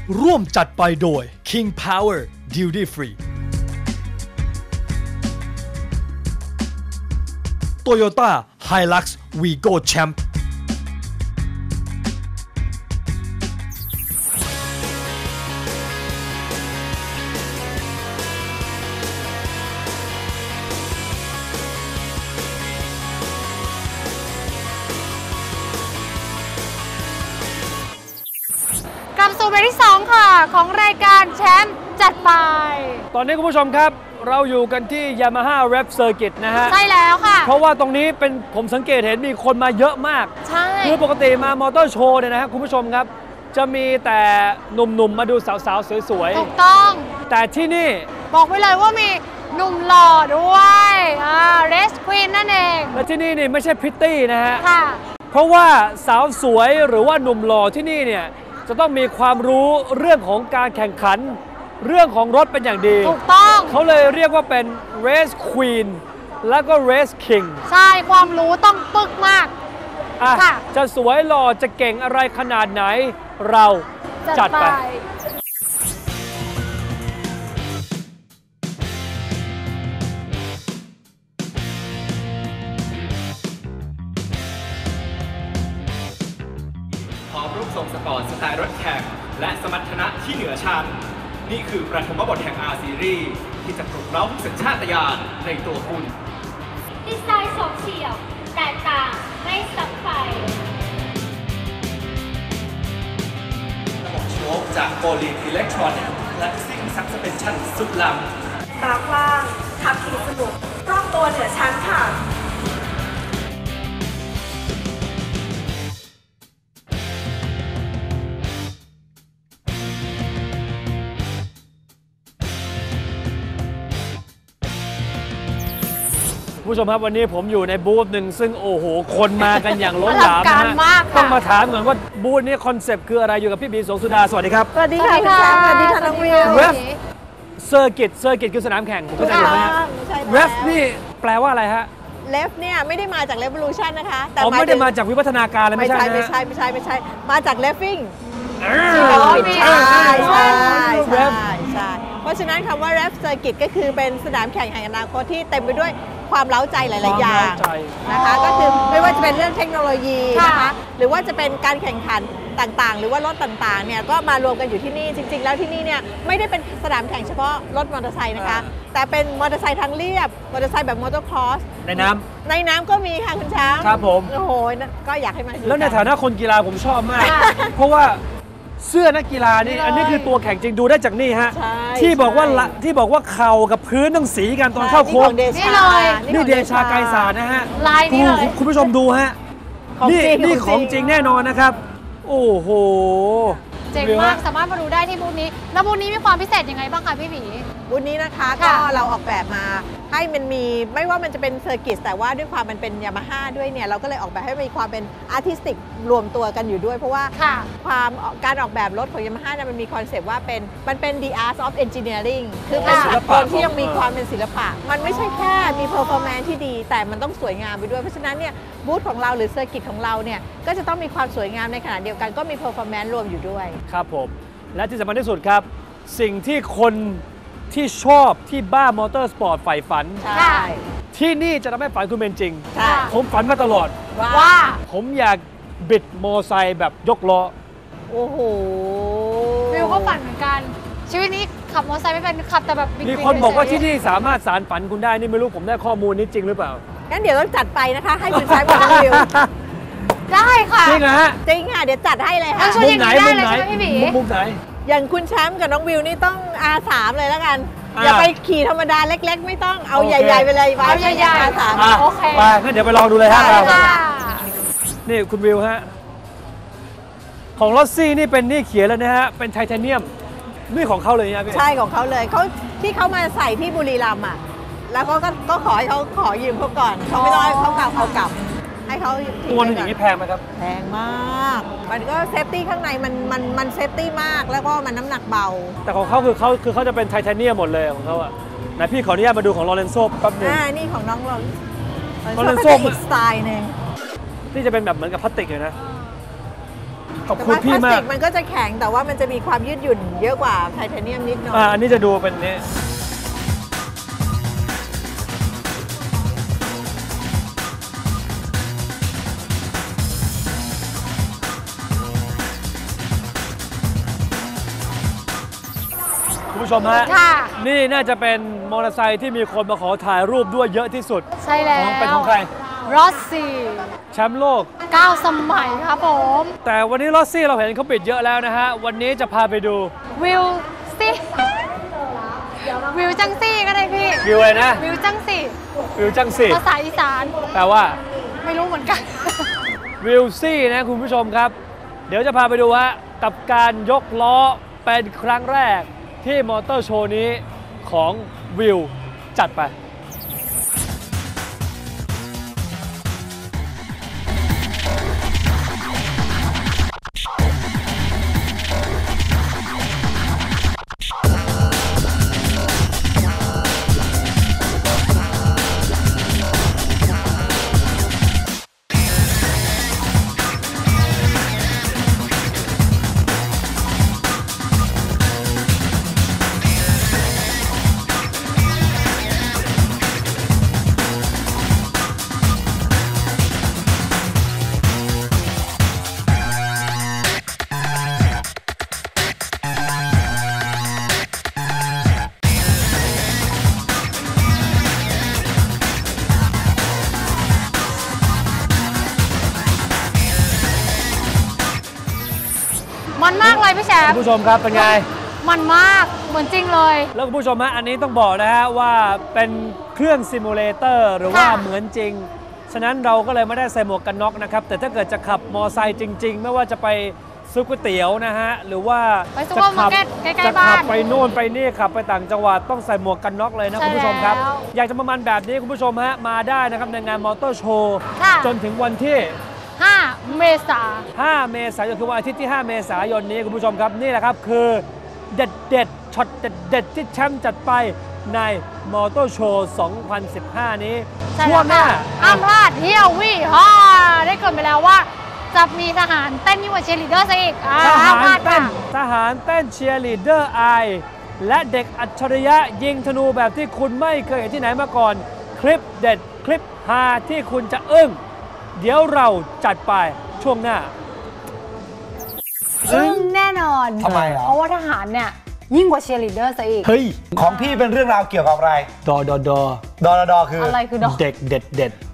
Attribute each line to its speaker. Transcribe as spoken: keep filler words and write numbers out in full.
Speaker 1: ร่วมจัดไปโดย King Power Duty Free Toyota Hilux Vigo Champ
Speaker 2: กลับสู่เบรกที่สองค่ะของรายการแชมป์จัดไป
Speaker 1: ตอนนี้คุณผู้ชมครับเราอยู่กันที่ Yamaha Rep Circuit นะฮะ
Speaker 2: ใช่แล้วค่ะ
Speaker 1: เพราะว่าตรงนี้เป็นผมสังเกตเห็นมีคนมาเยอะมาก
Speaker 2: ใช่
Speaker 1: คือปกติมามอเตอร์โชว์เนี่ยนะฮะคุณผู้ชมครับจะมีแต่หนุ่มๆมาดูสาวๆสวย
Speaker 2: ๆถูกต้อง
Speaker 1: แต่ที่นี่
Speaker 2: บอกไว้เลยว่ามีหนุ่มหล่อด้วยอ่า Race Queen นั่นเอง
Speaker 1: และที่นี่นี่ไม่ใช่พริตตี้นะฮะ
Speaker 2: ค่ะ
Speaker 1: เพราะว่าสาวสวยหรือว่าหนุ่มหล่อที่นี่เนี่ยจะต้องมีความรู้เรื่องของการแข่งขันเรื่องของรถเป็นอย่างดี
Speaker 2: ถูกต้อง
Speaker 1: เขาเลยเรียกว่าเป็น Race Queen แล้วก็ Race King
Speaker 2: ใช่ความรู้ต้องปึกมาก
Speaker 1: อ่ะจะสวยหล่อจะเก่งอะไรขนาดไหนเราจัดไป
Speaker 3: พร้อมรูปทรงสปอร์ตสไตล์รถแข่งและสมรรถนะที่เหนือชั้นนี่คือประถมบทแห่ง R Series ที่จะปลุกเร้าสัญชาตญาณในตัวคุณ
Speaker 4: ดีไซน์โฉบเฉี่ยวแตกต่างไม่ซ้ำใคร
Speaker 3: ระบบโชคจากโปลีอิเล็กทรอนิกส์และซิ่งซับสเปนชั่นสุดล้ำ
Speaker 5: ตากว้างขับขี่สนุกรอบตัวเหนือชั้นค่ะ
Speaker 1: ผู้ชมครับวันนี้ผมอยู่ในบูธหนึ่งซึ่งโอ้โหคนมากันอย่างล้นหลามนะฮะต้องมาถามก่อนว่าบูธนี้คอนเซปต์คืออะไรอยู่กับพี่บีสงสุดาสวัสดีครับ
Speaker 5: สวัสดีค่ะคุณแชมป์สวัสดีค่ะน้องวิว
Speaker 1: Ref Circuit Circuit คือสนามแข่งผมเข้าใจถูกไหมฮะ Ref นี่แปลว่าอะไรฮะ
Speaker 5: Ref เนี่ยไม่ได้มาจาก Revolution นะคะ
Speaker 1: แต่ไม่ได้มาจากวิวัฒนาการเลยไม่ใช่
Speaker 5: ไม่ใช่ไม่ใช่ไม่ใช่มาจาก Reffing
Speaker 1: ใช่
Speaker 5: ใช่ใช่ใช่ใช่เพราะฉะนั้นคำว่า Ref Circuit ก็คือเป็นสนามแข่งแห่งอนาคตที่เต็มไปด้วยความเล้าใจหลายๆอย่างนะคะก็คือไม่ว่าจะเป็นเรื่องเทคโนโลยีนะคะหรือว่าจะเป็นการแข่งขันต่างๆหรือว่ารถต่างๆเนี่ยก็มารวมกันอยู่ที่นี่จริงๆแล้วที่นี่เนี่ยไม่ได้เป็นสนามแข่งเฉพาะรถมอเตอร์ไซค์นะคะแต่เป็นมอเตอร์ไซค์ทางเรียบมอเตอร์ไซค์แบบมอเตอร์ครอส
Speaker 1: ในน้ำ
Speaker 5: ในน้ำก็มีค่ะคุณช้าง
Speaker 1: ครับผม
Speaker 5: โอ้โหก็อยากให้มา
Speaker 1: แล้วในฐานะคนกีฬาผมชอบมากเพราะว่าเสื้อนักกีฬานี่อันนี้คือตัวแข่งจริงดูได้จากนี่ฮะที่บอกว่าที่บอกว่าเข่ากับพื้นต้องสีกันตอนเข้าโค้ง
Speaker 2: นี่เลย
Speaker 1: นี่เดชาไกรสารนะฮะ
Speaker 2: ลายนี้เลย
Speaker 1: คุณผู้ชมดูฮะนี่นี่ของจริงแน่นอนนะครับโอ้โห
Speaker 2: เจ๋งมากสามารถมาดูได้ที่บูธนี้แล้วบูธนี้มีความพิเศษยังไงบ้างคะพี่หมี
Speaker 5: บูธนี้นะคะก็เราออกแบบมาให้มันมีไม่ว่ามันจะเป็นเซอร์กิตแต่ว่าด้วยความมันเป็นยามาฮ่าด้วยเนี่ยเราก็เลยออกแบบให้มีความเป็นอาร์ติสติกรวมตัวกันอยู่ด้วยเพราะว่าความการออกแบบรถของยามาฮ่าเนี่ยมันมีคอนเซปต์ว่าเป็นมันเป็น the art of engineering คือเป็นศิลปะที่ยังมีความเป็นศิลปะมันไม่ใช่แค่มี performance ที่ดีแต่มันต้องสวยงามไปด้วยเพราะฉะนั้นเนี่ยบูธของเราหรือเซอร์กิตของเราเนี่ยก็จะต้องมีความสวยงามในขณะเดียวกันก็มี performance รวมอยู่ด้วย
Speaker 1: ครับผมและที่สำคัญที่สุดครับสิ่งที่คนที่ชอบที่บ้ามอเตอร์สปอร์ตใฝ่ฝันที่นี่จะทำให้ฝันคุณเป็นจริงผมฝันมาตลอด
Speaker 2: ว่า
Speaker 1: ผมอยากบิดมอไซค์แบบยกล้อ
Speaker 5: โอ้โห
Speaker 2: วิวก็ฝันเหมือนกันชีวิตนี้ขับมอเตอร์ไซค์ไม่เป็นขับแต่แบบ
Speaker 1: มีคนบอกว่าที่นี่สามารถสารฝันคุณได้นี่ไม่รู้ผมได้ข้อมูลนี้จริงหรือเปล่า
Speaker 5: งั้นเดี๋ยวต้องจัดไปนะคะให้คุณใช้บนวิว
Speaker 2: ได้ค่ะ
Speaker 1: จริงนะฮะ
Speaker 5: จริงค่ะเดี๋ยวจัดให้เลยค่ะ
Speaker 1: มุมไหนมุมไหนมุมไหน
Speaker 5: อย่างคุณแชมป์กับน้องวิวนี่ต้อง อาร์ สาม เลยแล้วกันอย่าไปขี่ธรรมดาเล็กๆไม่ต้องเอาใหญ่ๆไปเลย
Speaker 2: เอาใหญ่ๆ
Speaker 5: อาร์ สาม
Speaker 2: โอเค
Speaker 1: ไปงั้นเดี๋ยวไปลองดูเลยฮะนี่คุณวิวฮะของลอสซี่นี่เป็นนี่เขียนแล้วนะฮะเป็นไทเทเนียมนี่ของเขาเลยนะพี่
Speaker 5: ใช่ของเขาเลยเขาที่เขามาใส่ที่บุรีรัมย์อ่ะแล้วก็ก็ขอให้เขาขอยืมเขาก่อนเขาไม่ต้องให้เขากลับเขากลับให้เขา
Speaker 1: ตัวนึงอย่างนี้แพงไหมครับ
Speaker 5: แพงมากมันก็เซฟตี้ข้างในมันมันมันเซฟตี้มากแล้วก็มันน้ำหนักเบา
Speaker 1: แต่ของเขาคือเขาคือเขาจะเป็นไทเทเนียมหมดเลยของเขาอ่ะไหนพี่ขออนุญาตมาดูของลอเรนโซ่แป๊บนึง
Speaker 5: อ่านี่ของน้องลอ
Speaker 1: เรนโซ่
Speaker 5: อีกสไตล์นึง
Speaker 1: ที่จะเป็นแบบเหมือนกับพลาสติกเลยนะขอบ
Speaker 5: แต่
Speaker 1: คุณ
Speaker 5: ว่าพ
Speaker 1: พี่
Speaker 5: ลาส
Speaker 1: มา
Speaker 5: ติ
Speaker 1: ก
Speaker 5: กมันก็จะแข็งแต่ว่ามันจะมีความยืดหยุ่นเยอะกว่าไทเทเนียมนิดหน่อย
Speaker 1: อ่าอันนี้จะดูเป็นนี้คุณผู้ชมฮะ
Speaker 2: ค่ะ
Speaker 1: นี่น่าจะเป็นมอเตอร์ไซค์ที่มีคนมาขอถ่ายรูปด้วยเยอะที่สุด
Speaker 2: ใช่แล้
Speaker 1: ข
Speaker 2: ว
Speaker 1: องเป็นของใคร
Speaker 2: รอสซี่
Speaker 1: แชมป์โลก
Speaker 2: เก้าสมัยครับผม
Speaker 1: แต่วันนี้ลอสซี่เราเห็นเขาปิดเยอะแล้วนะฮะ วันนี้จะพาไปดู
Speaker 2: วิวซี่วิวจังซี่ก็ได้พี่
Speaker 1: วิวอะไรนะ
Speaker 2: วิวจังซี่
Speaker 1: วิวจังสิ
Speaker 2: ภาษาอีสาน
Speaker 1: แปลว่า
Speaker 2: ไม่รู้เหมือนกัน
Speaker 1: วิวซี่นะคุณผู้ชมครับ เดี๋ยวจะพาไปดูฮะกับการยกล้อเป็นครั้งแรกที่มอเตอร์โชว์นี้ของวิวจัดไป
Speaker 2: มันมากเลยพี่แชม
Speaker 1: คุ
Speaker 2: ป์
Speaker 1: ณผู้ชมครับเป็นไง
Speaker 2: มันมากเหมือนจริงเลย
Speaker 1: แล้วคุณผู้ชมฮะอันนี้ต้องบอกนะฮะว่าเป็นเครื่องซิมูเลเตอร์หรือว่า
Speaker 2: ค่ะ
Speaker 1: เหมือนจริง ฉะนั้นเราก็เลยไม่ได้ใส่หมวกกันน็อกนะครับ แต่ถ้าเกิดจะขับมอไซค์จริง ๆ ไม่ว่าจะไปซื้อก๋วยเตี๋ยวนะฮะ หรือว่า
Speaker 2: ไปซุป
Speaker 1: จะ
Speaker 2: เปอร์มา
Speaker 1: ขั
Speaker 2: ร์เก็ตใกล้ๆ
Speaker 1: จะ
Speaker 2: บ้า
Speaker 1: ขั
Speaker 2: น
Speaker 1: ไปโน่นไปนี่ขับไปต่างจังหวัดต้องใส่หมวกกันน็อกเลยนะ
Speaker 2: ใช่
Speaker 1: คุณผู้ชมครับ
Speaker 2: แล้ว
Speaker 1: อยากจะประมาณแบบนี้คุณผู้ชมฮะมาได้นะครับในงานมอเตอร์โชว์
Speaker 2: ค่ะ
Speaker 1: จนถึงวันที่
Speaker 2: ห้าเมษา
Speaker 1: ห้า เมษายนคือวันอาทิตย์ที่ ห้า เมษายนนี้คุณผู้ชมครับนี่แหละครับคือเด็ดเด็ดๆช็อตเด็ดเด็ดๆที่แชมป์จัดไปในมอเตอร์โชว์ สองพันสิบห้า นี้
Speaker 2: ใช่
Speaker 1: ช่วงหน้า
Speaker 2: ห้ามพลาดเที่ยววี่ฮ่าได้เกรินไปแล้วว่า จะมีทหารเต้นยิ่งกว่าเชียร์ลีดเดอร์ซะอีกอ่า
Speaker 1: ท
Speaker 2: ห้าม
Speaker 1: หาร
Speaker 2: พลาด
Speaker 1: เต้
Speaker 2: ค่ะ
Speaker 1: นทหารเต้นเชียร์ลีดเดอร์ไอและเด็กอัจฉริยะยิงธนูแบบที่คุณไม่เคยเห็นที่ไหนมาก่อน คลิปเด็ดคลิปฮาที่คุณจะอึ้งเดี๋ยวเราจัดไปช่วงหน้า
Speaker 2: ซึ่งแน่นอน
Speaker 6: ทำไมอ่ะ
Speaker 2: เพราะว่าทหารเนี่ยยิ่งกว่าเชียร์ลีดเดอร์ซะอีก
Speaker 1: เฮ้ย
Speaker 6: ของพี่เป็นเรื่องราวเกี่ยวกับอะไร
Speaker 1: ดอดอดอ
Speaker 6: ดอรดอคือ
Speaker 2: อะไรคือดอก
Speaker 1: เด็กเด็ดเด็ด